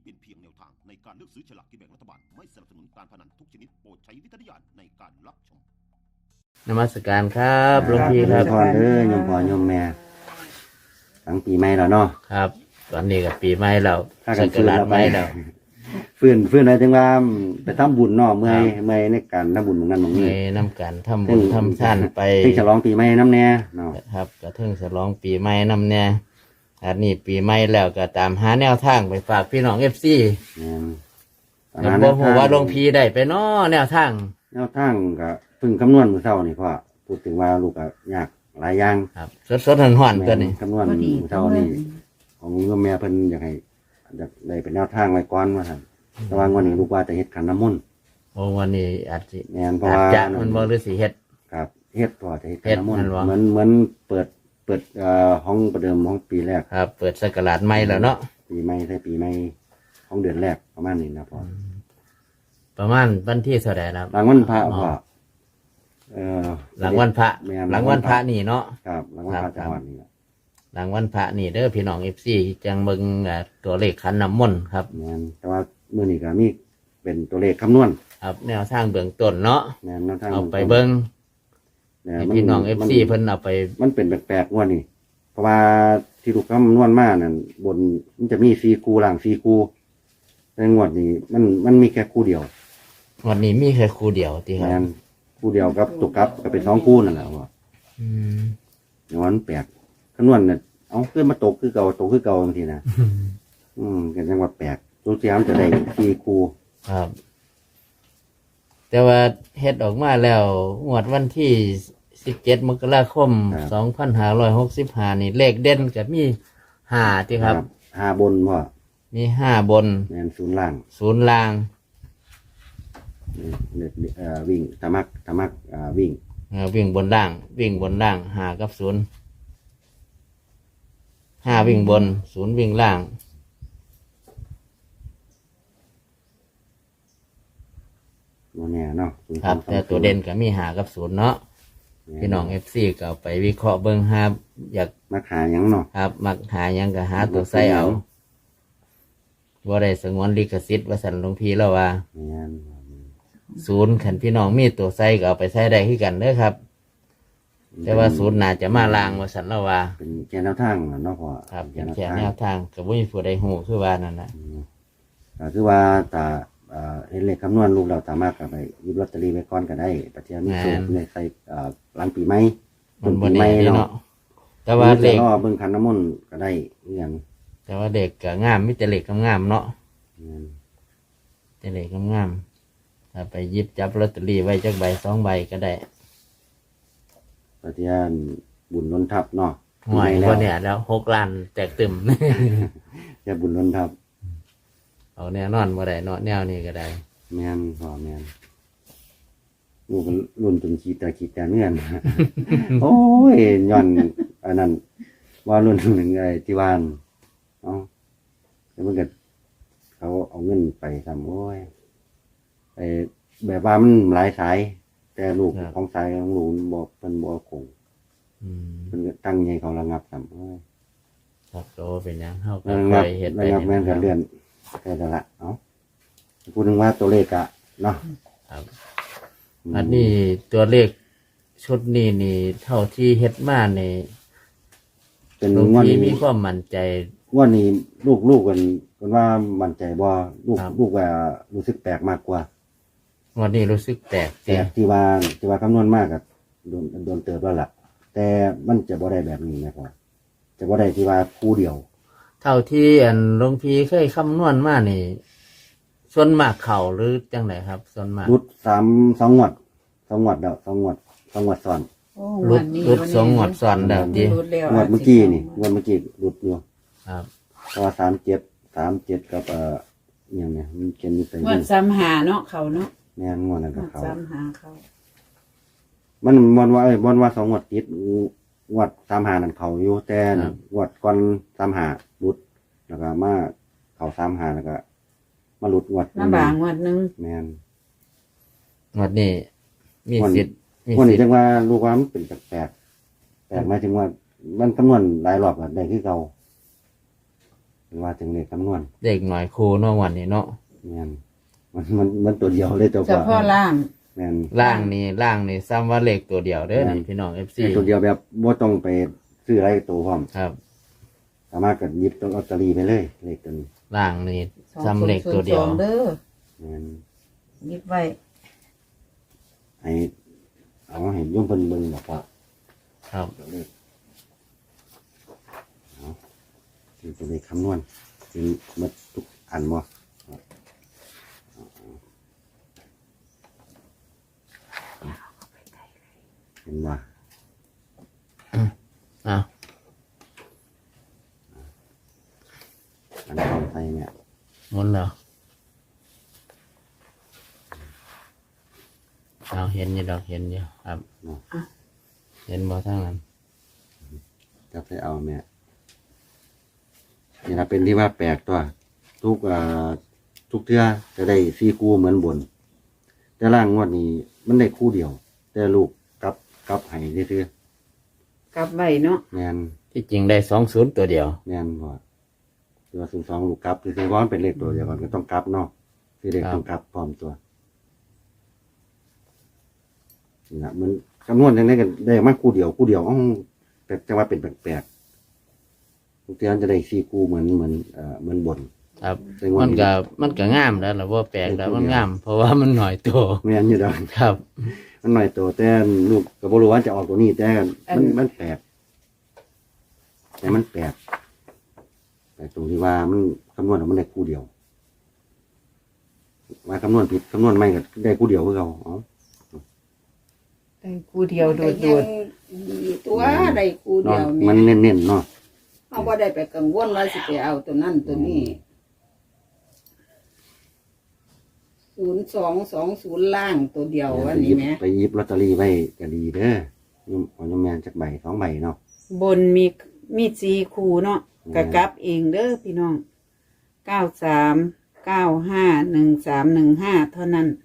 เป็นเพียงแนวทางในการเลือกซื้อฉลากกินแบ่งรัฐบาลไม่สนับสนุนการพนันทุกชนิดโปรดใช้วิจารณญาณในการรับชมนมัสการครับหลวงพี่ครับพรโยมพ่อโยมแม่ตั้งปีใหม่แล้วเนาะครับตอนนี้กับปีใหม่แล้วถ้ากันสักราชใหม่แล้วฟื้นอะไรถึงว่าไปทำบุญเนาะเมื่อยในการทำบุญของนั้นของในนี้น้ำกันทำบุญทำท่านไปที่ฉลองปีใหม่น้ำแน่เนาะครับกระเทิงฉลองปีใหม่นำเนี่ยอันนี้ปีใหม่แล้วก็ตามหาแนวทางไปฝากพี่น้องFC เนี่ยแล้วบอกว่าหลวงพี่ได้ไปเนาะแนวทางแนวทางก็เพิ่งคำนวณมื้อเช้านี่พ่อพูดถึงว่าลูกก็ยากหลายอย่างครับสดๆร้อนๆตัวนี้คำนวณมื้อเช้านี่ของโยมแม่เพิ่นอยากให้อยากได้เป็นแนวทางไว้ก่อนว่าซั่นแต่ว่างวันนี้ลูกว่าจะเฮ็ดขันน้ำมนต์โอ้วันนี้อาจจะแม่นเพราะอาจว่าจะมันบ่หรือสิเฮ็ดครับเฮ็ดพ่อจะเฮ็ดขันน้ำมนเฮ็ต์ดเหมือนเปิดห้องประเดิมห้องปีแรกครับ เปิดสักราชใหม่แล้วเนาะปีใหม่ใช่ปีใหม่ของเดือนแรกประมาณนี้นะพ่อประมาณวันที่เท่าไหร่ครับหลังวันพระพ่อหลังวันพระแม่นหลังวันพระนี่เนาะครับหลังวันพระครัจับงหวัดนี่แหละหลังวันพระนี่เด้อพี่น้องFCจังเบิ่งตัวเลขขันน้ำมนต์ครับแม่นแต่ว่ามื้อนี้ก็มีเป็นตัวเลขคำนวณครับแนวทางเบื้องต้นเนาะแม่นแนวทางเอาไปเบิ่งเนี่ยให้พี่น้อง FC เพิ่นเอาไปมันเป็นแปลกๆงวดนี้เพราะว่าที่ลูกคำนวณมานั่นบนมันจะมี4คู่ล่าง4คู่แต่งวดนี้มันมีแค่คู่เดียววันนี้มีแค่คู่เดียวที่ครัแม่บนคู่เดียวกับตุกกับก็เป็น2คู่นั่นแหละพ่ออืมอย่างนั้นแปลกคำนวณเนี่ยเอาขึ้นมาตกคือเก่าตกคือเก่าบางทีนะกันจังหวัดแปลกตัวเสียมจะได้4คู่ครับ แต่ว่าเฮ็ดออกมาแล้วงวดวันที่17 มกราคม 2565นี่เลขเด่นก็มี5ที่ครับ 5บนพ่อมี5บนแม่นศูนย์ล่าง 0ล่างวิ่งธรรมักวิ่งวิ่งบนล่าง วิ่งบนล่าง5กับ0 5วิ่งบน0วิ่งล่างโมเนียเนาะ0 ครับ แต่ตัวเด่นก็มี5กับ0เนาะพี่น้อง FC ก็เอาไปวิเคราะห์เบิ่งหาอยากมักหาหยังเนาะครับมักหาหยังก็หาตัวใส่เอาบ่ได้สงวนลิขสิทธิ์ว่าสันหลวงพี่แล้วว่าแม่น 0ขันพี่น้องมีตัวใส่ก็เอาไปใส่ได้คือกันเด้อครับ แต่ว่า0น่าจะมาลางว่าสันแล้วว่าเป็นแกนแนวทางเนาะพ่อครับเป็นแค่แนวทางก็บ่มีผู้ใดฮู้คือว่านั่นน่ะก็คือว่าถ้าเห็นเลขคำนวณลูกเราสามารถกับไปหยิบลอตเตอรี่ไว้ก่อนก็ได้ปัจจัยมีสูตรในใส่หลังปีใหม่มันบ่ปีใหแน่ม่เด้เนาะเนาะแต่ว่าเลขรอเบิ่งคันน้ำมนต์ก็ได้เรื่องแต่ว่าเด็กก็งามมีแต่เลขงามๆเนาะแม่นแต่เลขงามๆถ้าไปหยิบจับลอตเตอรี่ไว้จักใบ2ใบก็ได้ปัจจัยบุญล้นทับเนาะห่วยปีใหม่บ่เนี่ยแล้ว6ล้านแตกตึมจะบุญล้นทับเอาแน่นอนบ่ได้เนาะแนวนี้ก็ได้แม่นพ่อแม่นลูกก็รุ่นจนขีดแต่เงื่อน โอ้ยย้อนอันนั้นว่ารุ่นหนึ่งไอ้ที่วานเอาแล้วมันก็เขาเอาเงินไปทำโอ้ยไอ้แบบว่ามันหลายสาย แต่ลูกครับของสายของลูกบอกเป็นบอกคงอืมเป็นก็ตั้งใจเขาระงับทำโอ้ยครับโตเป็นหยังเฮาก็ระค่งัอบ ยเฮ็ดไประงับแม่นก็เลื่อนแค่นั้นละเอาพูดถึงว่าตัวเลขอะเนาะครับ อันนี้ตัวเลขชุดนี้นี่เท่าที่เฮ็ดมานี่เป็นหลวงงวดพี่นี้มีความมั่นใจงวดนี้ลูกกันว่ามั่นใจบ่ลูกครับลูกว่ารู้สึกแปลกมากกว่าวันนี้รู้สึกแตกแต่ที่ว่าคำนวณมากกับโดนเติบแล้วล่ะ แต่มันจะบ่ได้แบบนี้นะครับจะบ่ได้ที่ว่าคู่เดียวเท่าที่อันหลวงพี่เคยคำนวณมานี่ส่วนมากเข่าหรือจังไหนครับส่วนมากรุดสองงวดแล้วสองงวดซ้อนโอ้รุวัดนนี้รุด2งวดซ้อนแล้วดิรุดแล้วงวดเมื่อกี้นี่งวดเมื่อกี้รุดอยู่ครับเพราะว่า37กับอย่างเนี้ยมันเขียนอยู่ใส่งวดซ้ำหาเนาะเขาเนาะแม่นงวดนั้นงก็วดเขาซ้ำหาเขามันว่าสองงวดติดงวด35นั่นเขาอยู่แต่งวดก่อน35รุดแล้วก็มาเขา35แล้วก็มารุดงวดน้ำบางงวดหนึงแม่นงวดนี้มีสิทธิ์มีวันสินี้ทธิ์จังว่าลูกว่ามันเป็นแปลกหมายถึงว่า มันคำนวณหลายรอบอะได้คือเก่าว่าถึงเลขคำนวณเด็กหน่อยครูเนาะวันนี้เนาะแม่นมันตัวเดียวเลยตัวเฉพาะล่างแม่นล่างนี่ซ้ำว่าเลขตัวเดียวเด้อนี่พี่น้อง FC ตัวเดียวแบบบ่ต้องไปซื้ออะไรตัวพร้อมครับสามารถก็หยิบตัวลอตเตอรี่ไปเลยเลขตัวนี้ล่างนี่ซ้ำเลขตัวเดียว 2002เด้อแม่นยิบไว้ให้เอาให้โยมเพิ่นเบิ่งบอกว่าครับเลขเอาคือตัวเลขคำนวณคือหมดทุกอันบ่เห็นว่าอ่ะอันเข้าใจเนี่ยหมุนแล้วเอาเห็นอยู่ดอกเห็นอยู่ครับ เห็นบ่ทั้งนั้นจะไปเอาแม่นี่นะเป็นที่ว่าแปลกตัวทุกเทื่อจะได้4คู่เหมือนบน แต่ล่างงวดนี้มันได้คู่เดียว แต่ลูกกลับให้ซื่อกลับไว้เนาะๆแม่นที่จริงได้20ตัวเดียวแม่นบ่คือว่า02ลูกกลับคือว่ามันเป็นเลขตัวเดียวกันก็ต้องกลับเนาะคือเลขต้องกลับพร้อมตัวนี่นะมันคำนวณจังได๋ก็ได้มาคู่เดียวอ้อแต่จังว่าเป็นแปลกๆทุกเทื่อจะได้4คู่เหมือนบนครับแต่งวดมันนี้ก็งามแล้วล่ะว่าแปลกแล้วมันงาม เพราะว่ามันหน่อยตัวแม่นอยู่ดอกครับมันหน่อยตัวแต่ลูกก็บ่รู้ว่าจะออกตัวนี้แต่มันแปลกแต่มันแปลกตรงที่ว่ามันคำนวณออกมันได้คู่เดียวว่าคำนวณผิดคำนวณไม่ก็ได้คู่เดียวคือเขาเอาได้คู่เดียวโดดตัวใดกูเดีเนาะยวมันแม่เน้นๆเนาะเขาบ่ได้ไปกังวลว่าสิไปเอาตัวนั้นตัวนี้0220ล่างตัวเดียววันนี้แหม่ไปหยิบลอตเตอรี่ไว้ก็ดีเด้อของยมแมนจักใบ2ใบเนาะบนมี4คู่เนาะก็กลับเองเด้อพี่น้อง93951315เท่านั้น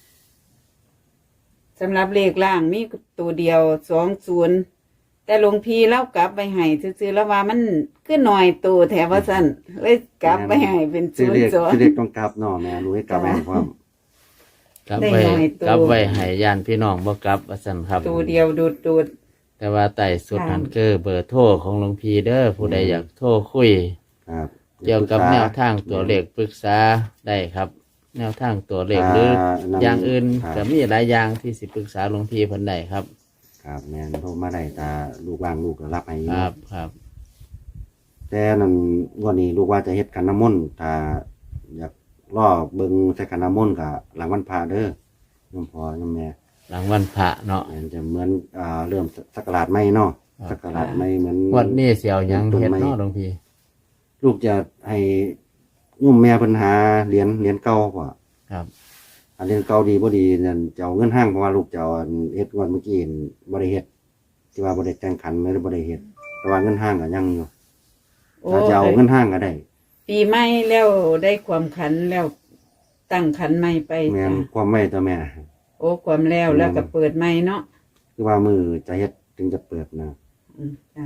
สำหรับเลขล่างมีตัวเดียว20แต่หลวงพี่เล่ากลับไปให้ซื่อๆแล้วว่ามันคือหน่อยตัวแถวว่าซั่นเลยกลับไปให้เป็นซื้อเลข 02 ต้องกลับเนาะแม่รู้ให้กลับแม่พร้อมกลับได้ไว้หน่อยตัวกลับไว้ให้ญาติพี่น้องบ่กลับว่าซั่นครับตัวเดียวโดดแต่ว่าใต้สุดนั่นคือเบอร์โทรของหลวงพี่เด้อผู้ใดอยากโทรคุยครับเกี่ยวกับแนวทางตัวเลขปรึกษาได้ครับ แนวทางตัวเลขหรืออย่างอื่นก็มีหลายอย่างที่สิปรึกษาหลวงพี่เพิ่นได้ครับครับแม่นโทรมาได้ตาลูกว่างลูกก็รับให้อยู่ครับครับแต่นั่นวันนี้ลูกว่าจะเฮ็ดขันน้ำมนต์ถ้าอยากล่อเบิ่งใส่ขันน้ำมนต์ก็หลังวันพระเด้อยมพ่อยมแม่หลังวันพระเนาะมันจะเหมือนเริ่มสักราชใหม่เนาะสักราชใหม่เหมือนวันนี้เสียวหยังเฮ็ดเนาะหลวงพี่ลูกจะให้ยมแม่เพิ่นหาเหรียญเก่าพ่อครับอันเหรียญเก่าดีบ่ดีนั่นจะเอาเงินห้างเพราะว่าลูกจะเอาอันเฮ็ดงวดเมื่อกี้นี่บ่ได้เฮ็ดที่ว่าบ่ได้แต่งขันไม่ได้บ่ได้เฮ็ดแต่ว่าเงินห้างก็ยังอยู่ๆโอ้ถ้าจะเอาเงินห้างก็ได้ปีใหม่แล้วได้ความขันแล้วตั้งขันใหม่ไปแม่นจ้ะความไม่ตัวแม่โอ้ความแล้วก็เปิดใหม่เนาะคือว่ามือจะเฮ็ดถึงจะเปิดนะจ้ะ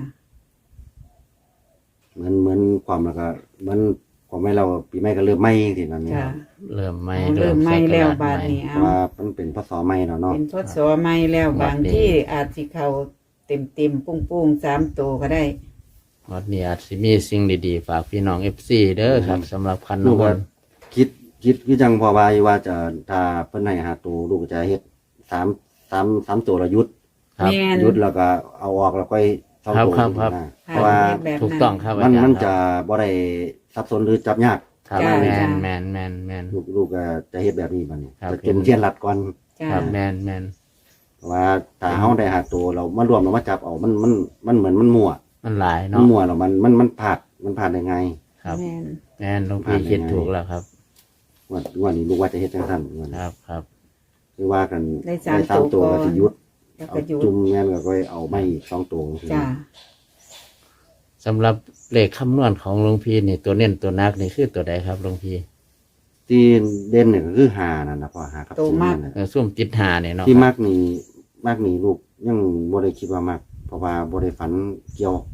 เหมือนความแล้วก็เหมือนความไม่เราปีใหม่ก็เริ่มใหม่ทีนั้นเนี่ยจ้ะเริ่มใหม่เอาเริ่มใหม่แล้วบาดนี้เพเอาราะว่ามันเป็นพศใหม่แล้วเนาะเป็นทศใหม่แล้วบางที่อาจสิเข้าเต็มปุ้งๆ3ตัวก็ได้วันนี้อาจสิมีสิ่งดีๆฝากพี่น้อง FC เด้อครับสำหรับคันลูกน้ำมก็นต์คิดคือจังพอว่าอยู่ว่าจะถ้าเพิ่นให้หาตัวลูกก็จะเฮ็ด3ตัวละยุดครับแม่นยุดแล้วก็เอาออกแล้วก็สองตัวครับนะเพราะว่าแบบนั้นถูกต้องครับมันอาจารย์มันคจะรับบ่ได้ซับซ้อนหรือจับยากครับจ้ะแมจ้ะนแมนแมนแมนลูกก็จะเฮ็ดแบบนี้บัดนี้ครับจะจุ่มเทียนรัดก่อนจ้ะครับแมนแมนเพราะว่าถ้าเฮาได้หาตัวเรามารวมเรามาจับเอามันเหมือนมันมั่วมันหลายมัเนาะนมั่วแล้วมันพลาดได้ไงครับแม่นแมนหลวงพี่คิดถูกแล้วครับวันนี้ลูกว่าจะเฮ็ดจังซั่นวันคนี้รับครับคือว่ากันได้สามตัวก่ก็อนสิหยุดแล้วเอาก็หยุดจุ่มแม่นก็ค่อยเอาไม่อีก2ตัวจ้ะสำหรับเลขคำนวณของหลวงพี่นี่ตัวเน้นตัวนักนี่คือตัวใดครับหลวงพี่ที่เด่นเนี่ยก็คือหานั่นนะพ่อหากับตัวมากศูนย์นั่นน่ะส้มติดหาเนี่ยเนาะที่ครับมากนี่ลูกยังบ่ได้คิดว่ามากเพราะว่าบ่ได้ฝันเกี่ยวแ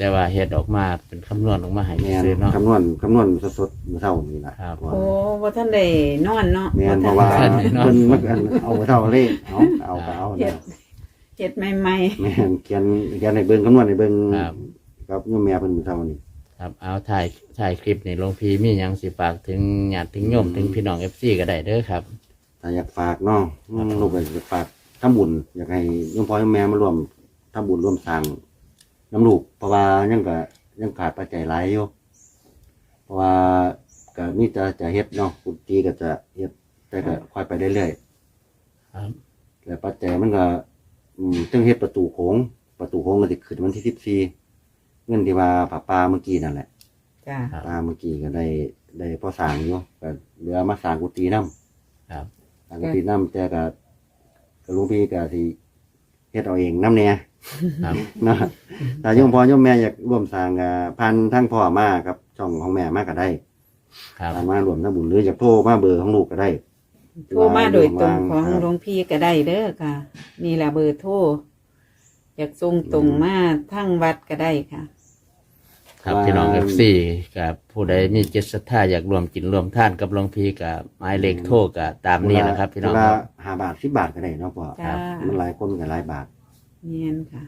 แต่ว่าเฮ็ดออกมาเป็นคำนวณออกมาให้แม่นซื้อเนาะคำนวณสดๆมื้อเช้านี่ล่ะครับโอ้บ่ท่านได้นอนเนาะแม่นเพบ่ราะว่าทันเพิ่นมักอันเอาเท่าเลขเอาก็เอาเฮ็ดนะเฮ็ดใหม่แม่นเขียนให้เบิ่งคำนวณให้เบิ่งครับกับโยมแม่เพิ่นมื้อเช้านี่ครับเอาถ่ายคลิปนี่หลวงพี่มีหยังสิฝากถึงญาติถึงโยมถึงพี่น้อง FC ก็ได้เด้อครับถ้าอยากฝากเนาะลูกก็อยากฝากทำบุญอยากให้โยมพ่อโยมแม่มาร่วมทำบุญร่วมสร้างน้ำลูกเพราะว่ายังขาดปัจจัยหลายอยู่เพราะว่าก็มีแต่จะเฮ็ดเนาะกุฏิก็จะเฮ็ดแต่ก็ค่อยไปเรื่อยๆครับแล้วปัจจัยมันก็จึงเฮ็ดประตูโค้งก็สิขึ้นวันที่14เงินที่ว่าป้าเมื่อกี้นั่นแหละๆจ้าครับป้าเมื่อกี้ก็ได้พอสร้างอยู่ก็เหลือมาสร้างกุฏินำครับสร้างกุฏินำแต่ก็หลวงพี่ก็สิเฮ็ดเอาเองนำแน่ครับนะถ้าโยมพ่อโยมแม่อยากร่วมสร้างก็ผ่านทางพ่อมาครับช่องของแม่มาก็ได้ครับผ่านมารวมทำบุญหรืออยากโทรมาเบอร์ของลูกก็ได้โทรมาโดยตรงของครับหลวงพี่ก็ได้เด้อค่ะ นี่ล่ะเบอร์โทรอยากส่งตรงมาทางวัดก็ได้ค่ะครับพี่น้อง FC กับผู้ใดมีจิตศรัทธาอยากรวมกินรวมท่านกับหลวงพี่กับหมายเลขโทรก็ตามนี้นะครับ พี่น้องเวคลารับ 5 บาท 10 บาทก็ได้เนาะพ่อจ้ามันหลายคนก็หลายบาทเนียนค่ะ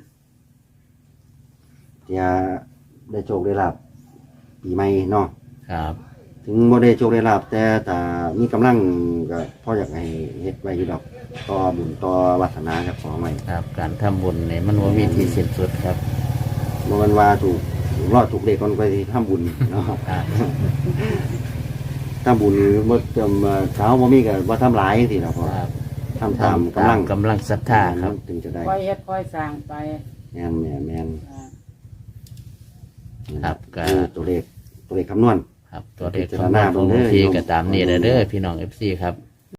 จะได้โชคได้ลาบปีใหม่เนาะครับถึงบ่ได้โชคได้ลาบแต่ถ้ามีกำลังก็พ่ออยากให้เฮ็ดไว้อยู่ดอกต่อบุญต่อวาสนาเจ้าของไว้ครับ การทำบุญนี่มันว่ามีที่สิ้นสุดครับบ่แม่นว่าถูกรอดถูกเลขก่อนไปทำบุญเนาะครับทำบุญบ่จำเช้าบ่มีก็บ่ทำหลายจังซี่ล่ะพ่อครับทำตามกำลังกำลังศรัทธาครับถึงจะได้ค่อยเฮ็ดค่อยสร้างไปแม่นแม่นอ่าครับก็คือตัวเลขคำนวณครับ ตัวเลขของหลวงพี่ก็ตามนี้เด้อพี่น้อง FC ครับ